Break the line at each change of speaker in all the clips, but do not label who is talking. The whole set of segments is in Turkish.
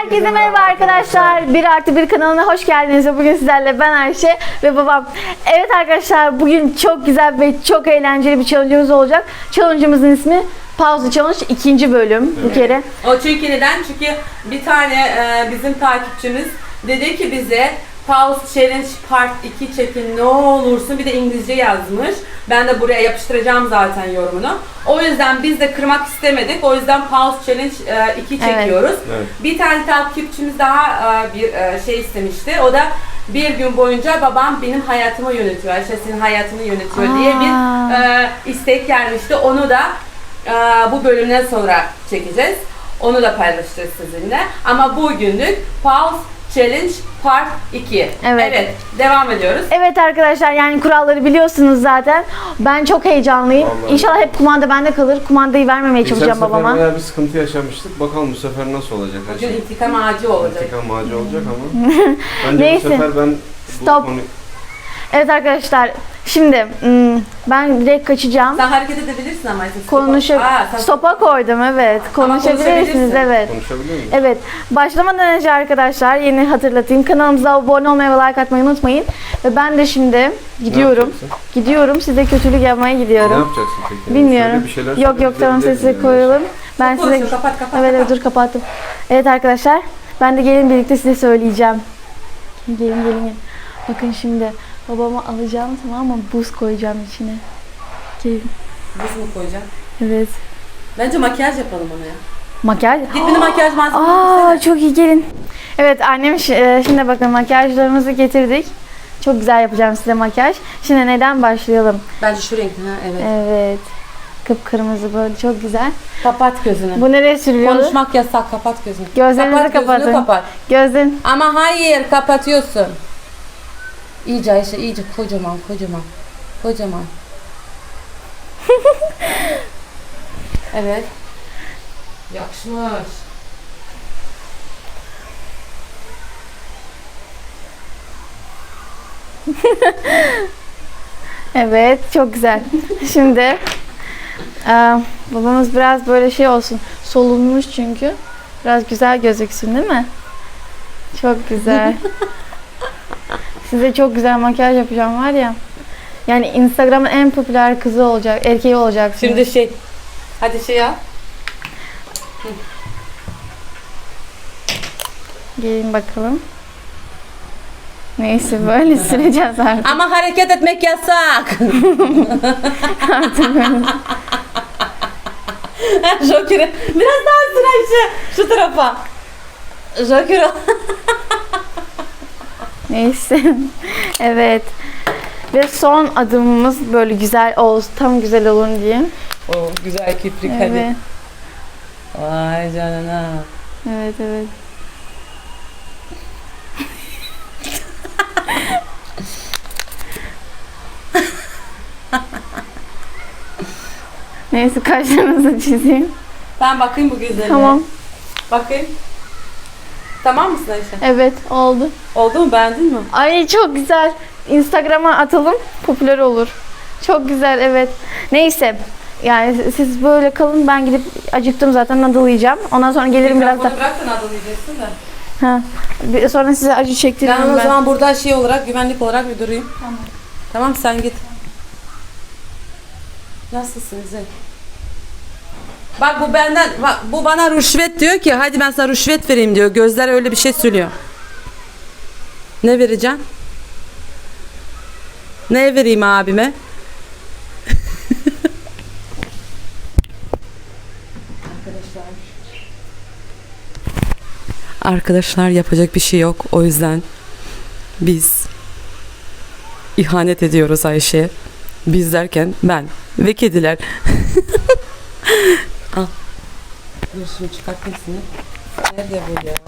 Herkese merhaba arkadaşlar. 1 artı 1 kanalına hoş geldiniz. Bugün sizlerle ben Ayşe ve babam. Evet arkadaşlar, bugün çok güzel ve çok eğlenceli bir challenge'ımız olacak. Challenge'ımızın ismi Pause Challenge 2. bölüm bu kere.
O çünkü neden? Çünkü bir tane bizim takipçimiz dedi ki bize Pause Challenge Part 2 çekin ne olursun, bir de İngilizce yazmış. Ben de buraya yapıştıracağım zaten yorumunu. O yüzden biz de kırmak istemedik. O yüzden Pause Challenge 2 çekiyoruz.
Evet.
Bir tane takipçimiz daha bir şey istemişti. O da bir gün boyunca babam benim hayatımı yönetiyor, Ayşe senin hayatını yönetiyor diye bir istek gelmişti. Onu da bu bölümden sonra çekeceğiz. Onu da paylaşacağız sizinle. Ama bugünlük Pause Challenge Part 2.
Evet.
Devam ediyoruz.
Evet arkadaşlar, yani kuralları biliyorsunuz zaten. Ben çok heyecanlıyım.
Vallahi.
İnşallah hep kumanda bende kalır. Kumandayı vermemeye çalışacağım babama.
Geçen sefer bayağı bir sıkıntı yaşamıştık. Bakalım bu sefer nasıl olacak?
Bugün intikam ağacı olacak.
İntikam ağacı olacak ama. Bence
Neyse.
bu sefer ben
Stop. Evet arkadaşlar, şimdi ben direkt kaçacağım.
Sen hareket edebilirsin ama.
Stopa koydum, evet. Konuşabilirsiniz,
konuşabilirsin.
evet.
konuşabiliyor muyum?
Evet, başlamadan önce arkadaşlar yeni hatırlatayım. Kanalımıza abone olmayı ve like atmayı unutmayın. Ve ben de şimdi gidiyorum.
yapacaksın?
Gidiyorum, size kötülük yapmaya
Ne
gidiyorum.
yapacaksın peki?
Bilmiyorum.
Söyle bir şeyler
Yok
söyle,
tamam,
bize
sesi
gidelim
koyalım. Ben
Çok
size...
konuşuyor, kapat.
Evet dur, kapattım. Evet arkadaşlar, ben de gelin birlikte size söyleyeceğim. Gelin. Bakın şimdi babamı alacağım, tamam mı? Buz koyacağım içine. Gelin.
Buz mu koyacaksın?
Evet.
Bence makyaj yapalım ona ya.
Makyaj.
Git beni makyaj malzemesi
Aa,
getirsene.
çok iyi, gelin. Evet annem şimdi bakın makyajlarımızı getirdik. Çok güzel yapacağım size makyaj. Şimdi neden başlayalım?
Bence şu renkli ha, evet.
Evet. Kıpkırmızı böyle, çok güzel.
Kapat gözünü.
Bu nereye sürüyor?
Konuşmak yasak, kapat gözünü.
Gözlerinizi
kapat
kapatın.
Gözünü kapat.
Gözün.
Ama hayır, kapatıyorsun. İyice Ayşe, iyice kocaman. Evet. Yakışmış.
Evet, çok güzel. Şimdi babamız biraz böyle şey olsun. Solunmuş çünkü. Biraz güzel gözüksün değil mi? Çok güzel. Size çok güzel makyaj yapacağım var ya. Yani Instagram'ın en popüler kızı olacak, erkeği olacaksınız.
Şimdi hadi yap.
Gelin bakalım. Neyse, böyle süreceğiz artık.
Ama hareket etmek yasak. Joker'e biraz daha sür Ayşe. Şu tarafa. Joker'e.
Neyse. Evet. Ve son adımımız böyle güzel olsun, tam güzel olun diye.
Oh, güzel kiprik
Evet.
hadi. Vay canına.
Evet. Neyse, kaşlarınızı çizeyim.
Ben bakayım bu güzelliğe.
Tamam.
Bakayım. Tamam mısın Ayşe?
Evet, oldu.
Oldu mu? Beğendin mi?
Ay çok güzel. Instagram'a atalım, popüler olur. Çok güzel, evet. Neyse. Yani siz böyle kalın, ben gidip acıktım zaten, nadıl yiyeceğim. Ondan sonra gelirim biraz da.
Mikrofonu bırak da nadıl yiyeceksin de.
Ha. Sonra size acı çektiririm
Ben o
ben.
zaman burada olarak, güvenlik olarak bir durayım.
Tamam.
Tamam, sen git. Nasılsın Zey? Bak bu bana rüşvet diyor ki, hadi ben sana rüşvet vereyim diyor. Gözler öyle bir şey söylüyor. Ne vereceğim? Ne vereyim abime? Arkadaşlar yapacak bir şey yok. O yüzden biz ihanet ediyoruz Ayşe'ye. Biz derken ben ve kediler. Al. Dur şunu çıkart hepsini. Nerede bu ya?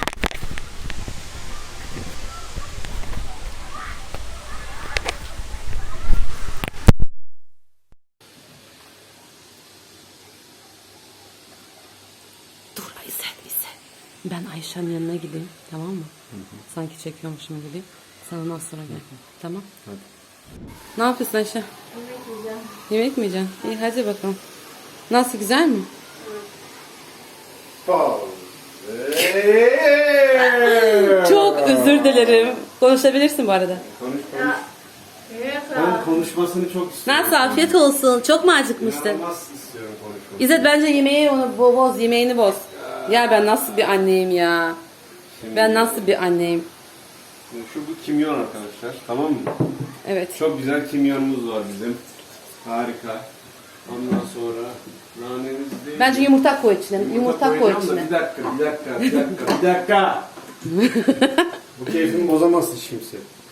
Dur Aysel. Ben Ayşe'nin yanına gideyim, tamam mı? Sanki çekiyormuşum gibi. Sen ondan sonra gel. Tamam?
Hadi.
Ne yapıyorsun Ayşe? Yemek mi yiyeceksin? İyi, hadi bakalım. Nasıl, güzel mi?
Pause.
Çok özür dilerim. Konuşabilirsin bu arada.
Konuş. Ben konuşmasını çok istiyorum.
Nasıl, afiyet olsun. Çok mu acıkmıştın?
İnanılmaz istiyorum konuşmasını.
İzzet bence yemeği onu boz, yemeğini boz. Ya ben nasıl bir anneyim ya. Ben nasıl bir anneyim.
Şu bu kimyon arkadaşlar. Tamam mı?
Evet.
Çok güzel kimyonumuz var bizim. Harika. Ondan sonra nanemiz değil.
Bence yumurta koy içine. Yumurta koy
koyacağım da
içine.
bir dakika. Bu keyfimi bozamazsın hiç kimse.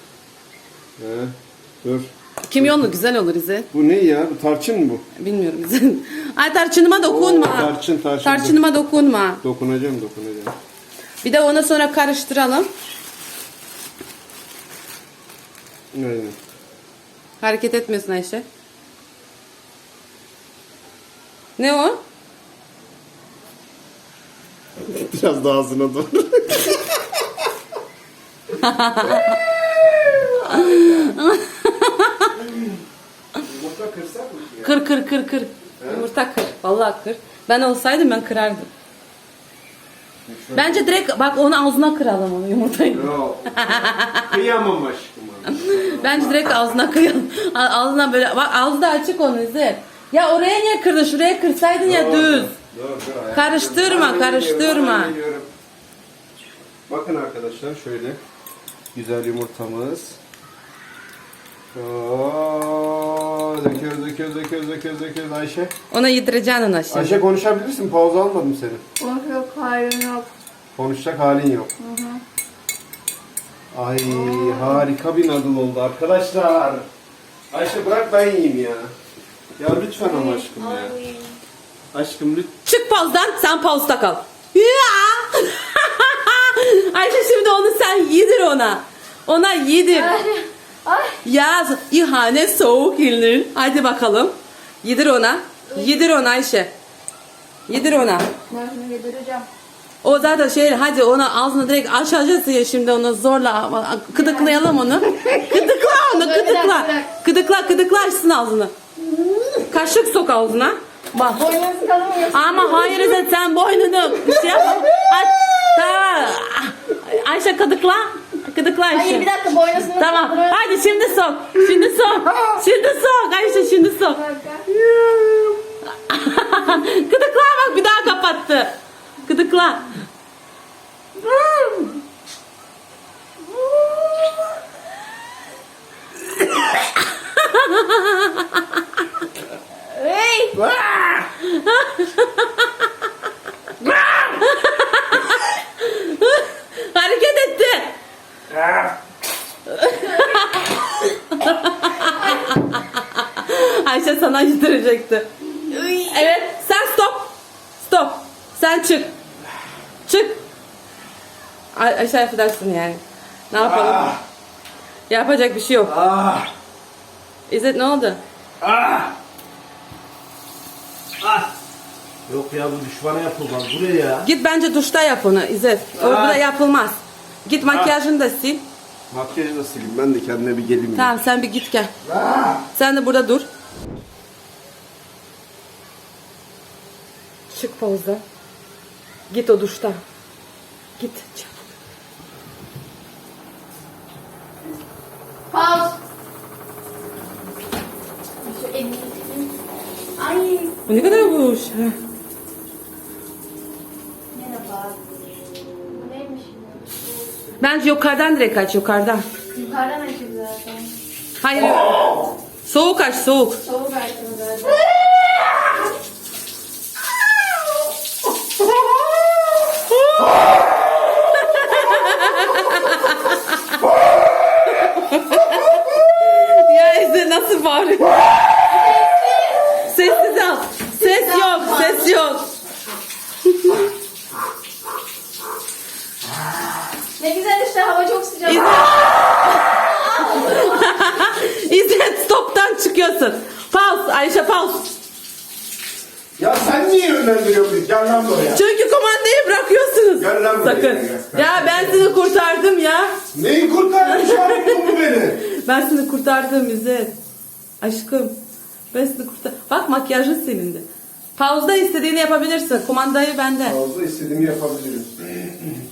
Dur.
Kimyonlu güzel olur İzzet.
Bu ne ya? Bu tarçın mı bu?
Bilmiyorum İzzet. Ay tarçınıma dokunma.
Oo, tarçın.
Tarçınıma dokunma.
Dokunacağım.
Bir de onu sonra karıştıralım.
Aynen.
Hareket etmiyorsun Ayşe. Ne o?
Biraz daha ağzına doğru. Yumurta kırsak mı ya?
Kır. Yumurta kır. Vallahi kır. Ben olsaydım ben kırardım. Bence direkt bak onu ağzına kıralım onu yumurtayı.
Yok. Kıyamam aşkım.
Bence direkt ağzına kıyalım. Ağzına böyle bak ağzı da açık onun İzzet. Ya oraya niye kırdın? Şuraya kırsaydın ya düz.
Dur.
Karıştırma.
Hemen geliyorum. Bakın arkadaşlar şöyle. Güzel yumurtamız. Oo, döküyoruz Ayşe.
Ona yedireceksin ona şimdi.
Ayşe konuşabilirsin. Pauza almadım seni.
Yok hayır yok.
Konuşacak halin yok. Ay harika bir noodle oldu arkadaşlar. Ayşe bırak ben yiyeyim ya. Ya lütfen ama aşkım ya. Aşkım lütfen.
Çık pauzdan sen pauzda kal. Ya! Ayşe şimdi onu sen yedir ona. Ona yedir.
Ay.
Ya ihanet soğuk yenir. Hadi bakalım. Yedir ona. Yedir ona Ayşe. Yedir ona.
Ben şimdi yedireceğim.
O zaten hadi ona ağzına direkt açacaksın ya şimdi onu zorla gıdıklayalım onu. Gıdıkla onu gıdıkla. Gıdıkla açsın ağzını. Kaşık sok ağzına. Bak.
Boynunuzu kalın mı?
Ama hayır İzzet sen boynunu şey yap. Aç. Tamam. Ayşe gıdıkla. Gıdıkla Ayşe.
Hayır bir dakika boynuzunu
Tamam.
kaldırıyorum.
Hadi şimdi sok. Şimdi sok Ayşe şimdi sok. Gıdıkla bak bir daha kapattı. Gıdıkla.
Hey.
Hareket etti. Ayşe sana yedirecekti. Evet sen stop. Sen çık. Ayşe affedersin yani. Ne yapalım? Yapacak bir şey yok. İzzet ne oldu?
Yok ya bu düşmana yapılmaz. Buraya ya.
Git bence duşta yap onu İzzet. Orada yapılmaz. Git makyajını da sil.
Makyajı da sileyim. Ben de kendime bir geleyim.
Tamam sen bir git gel. Sen de burada dur. Çık pauzda. Git o duşta. Git çabuk.
Pause. Şu elini tutayım. Ay.
Bu ne kadar boş.
Merhaba. Bu neymiş?
Bence yukarıdan direkt aç yukarıdan.
Yukarıdan açayım zaten.
Hayır. Soğuk aç soğuk.
Soğuk açtım zaten.
Ya İzzet nasıl bağırıyor? Sessiz al. Ses yok.
Ne güzel işte hava çok sıcak.
İzzet stoptan çıkıyorsun. Pause Ayşe pause.
Ya sen niye yönlendiriyorsun? Gel lan buraya.
Çünkü kumandayı bırakıyorsunuz.
Gel lan buraya,
Sakın.
gel.
Ya ben seni kurtardım ya.
Neyi kurtardın şu an bu beni?
Ben seni kurtardım İzzet. Aşkım. Ben seni kurtardım. Bak makyajın silindi. Pauze'da istediğini yapabilirsin. Kumandayı bende.
Fazla istediğimi yapabilirim.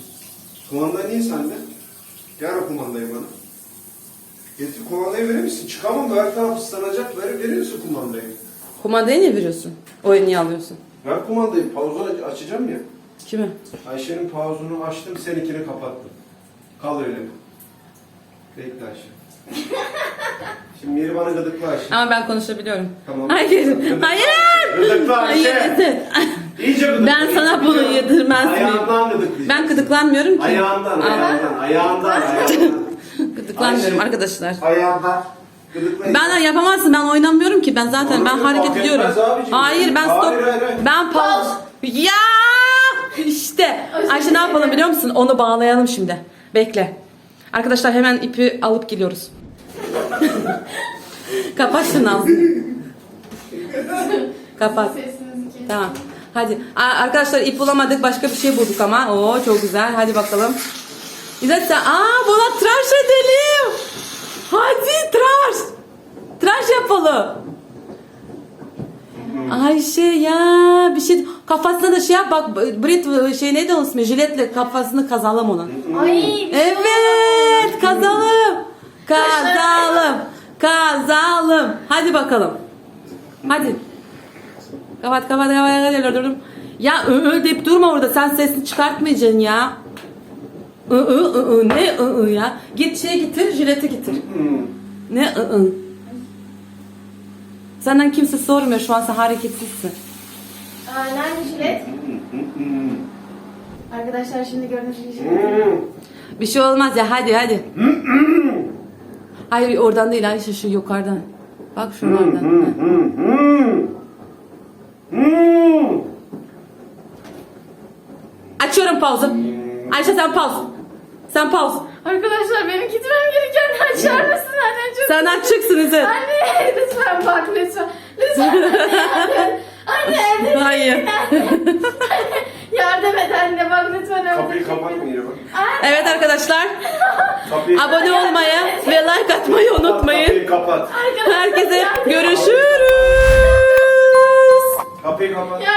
Kumanda niye sende? Ver o kumandayı bana. Getir kumandayı verir misin? Çıkamam da her taraf ıslanacak. Verir misin kumandayı?
Kumandayı ne veriyorsun? Oyunu niye alıyorsun?
Ver kumandayı. Pauzunu açacağım ya.
Kime?
Ayşe'nin pauzunu açtım, seninkini kapattım. Kal öyle. Bekle Ayşe. Şimdi Miri bana gıdıkla Ayşe.
Ama ben konuşabiliyorum.
Tamam.
Hayır.
Gıdıkla
Hayır.
Ayşe. Gıdıkla Ayşe.
Hayır.
İyice gıdıkla.
Ben sana bunu yedirmez miyim?
Ayağından gıdıklayacağım.
Ben gıdıklanmıyorum ki.
Ayağından.
Gıdıklanmıyorum
Ayşe.
arkadaşlar.
Ayağından. Gıdıklayın.
Ben yapamazsın. Ben oynamıyorum ki. Ben zaten ben
Oğlum,
hareket
fark
ediyorum.
etmez abicim.
Hayır ben stop.
Hayır.
Ben pause. Ya işte. Ayşe ne yapalım biliyor musun? Onu bağlayalım şimdi. Bekle. Arkadaşlar hemen ipi alıp geliyoruz. Kapat şunu ağzını. Kapat. Tamam. Hadi. Arkadaşlar ip bulamadık. Başka bir şey bulduk ama. Oo çok güzel. Hadi bakalım. İzzet sen. Buna tıraş edelim. Hadi tıraş. Tıraş yapalım. Ayşe ya bir şey kafasına da şey yap bak Brit şey neydi onun ismi jiletle kafasını kazalım onun.
Ay.
Evet kazalım. Hadi bakalım. Hadi. Kapat. Ya deyip durma orada sen sesini çıkartmayacaksın ya. Ne ya? Git şey getir jileti getir. Ne Senden kimse sormuyor şu an sen hareketsizsin.
Nerede jilet? Arkadaşlar şimdi gördüğünüz gibi jilet.
Bir şey olmaz ya hadi. Hayır oradan değil Ayşe şu yukarıdan. Bak şuralardan. Açıyorum pauzu. Ayşe sen pauz.
Arkadaşlar benim gitmem gereken açar mısın? Anne çok...
Sen açıksın İzzet.
Anne lütfen bak lütfen. Anne
Hayır.
yardım et anne bak lütfen.
Kapıyı kapatmayın bak.
Evet arkadaşlar.
Kapıyı
Abone olmayı ve like atmayı unutmayın.
Kapıyı kapat.
Herkese görüşürüz.
Kapıyı kapat.